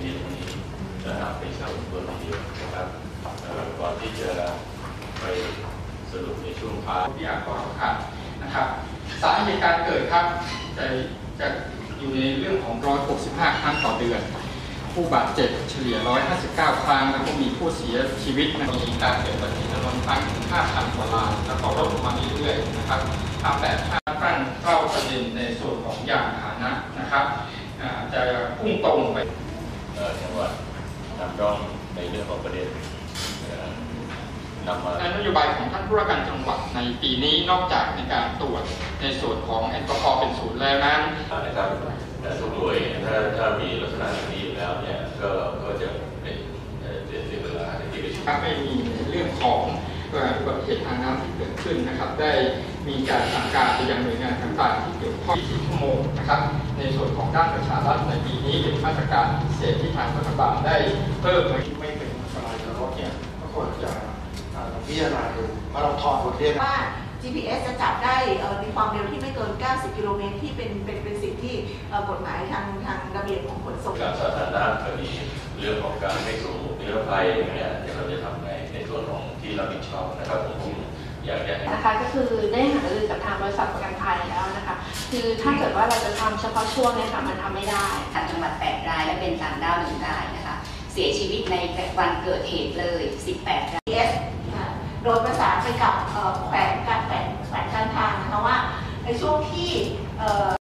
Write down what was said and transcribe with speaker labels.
Speaker 1: ที่ตรงนี้นะครับเป็นชาวอุบลทีเดียวนะครับก่อนที่จะไปสรุปในช่วงท้าย
Speaker 2: วิทยากรครับนะครับสาเหตุการเกิดครับจะอยู่ในเรื่องของ165 ครั้งต่อเดือนผู้บาดเจ็บเฉลี่ย159 ครั้งแล้วก็มีผู้เสียชีวิตมีการเกิดอุบัติเหตุรวมครั้งถึง 5,000 กว่ารายแล้วก็ลดลงมาเรื่อยๆนะครับทำแบบขั้นเข้าประเด็นในส่วนของยานพาหนะนะครับจะพุ่งตรงไป
Speaker 1: จังหวัดนำร่องในเรื่องของประเด็น
Speaker 2: นโยบายของท่านผู้ว่าการจังหวัดในปีนี้นอกจากในการตรวจในส่วนของแอลกอฮอล์เป็นศูนย์แล้วนั้น
Speaker 1: นะครับทุกหน่วยถ้ามีลักษณะอย่างนี้อยู่แล้วเนี่ยก็จะเป็นเวลาที่ประชุม
Speaker 2: ไม่มีเรื่องของอุบัติเหตุทางน้ำที่เกิดขึ้นนะครับได้มีการสั่งการไปยังหน่วยงานต่างๆที่เกี่ยวข้อง24 ชั่วโมงนะครับในส่วนของด้านประชารัฐในปีนี้เป็นมาตรการพิเศษที่ทางรัฐบาลได้เพิ่มไม่เป็นอันตรายต่อรถเนี่ยก็ควรจะพิจารณาดูมาเราถอดบทเรียน
Speaker 3: ว่า GPS จะจับได้ในความเร็วที่ไม่เกิน 90 กิโลเมตรที่เป็นสิ่งที่กฎหมายทางระเบียบของขนส่ง
Speaker 1: การสาธารณะก็มีเรื่องของการไม่สูงนิรภัยเนี่ยเราจะทำในส่วนของที่รับผิดชอบนะครับผมอยากจะ
Speaker 4: นะคะก็คือได้หารือกับทางบริษัทประกันภัยแล้วนะคะคือถ้าเกิดว่าเราจะทำเฉพาะช่วงนี้ค่ะมันทำไม่ได้
Speaker 5: ทางจังหวัด8 รายและเป็นต่างด้าว1 รายนะคะเสียชีวิตในวันเกิดเหตุเลย18 ราย
Speaker 3: โดยประสานไปกับแขวงการทางนะคะว่าในช่วงที่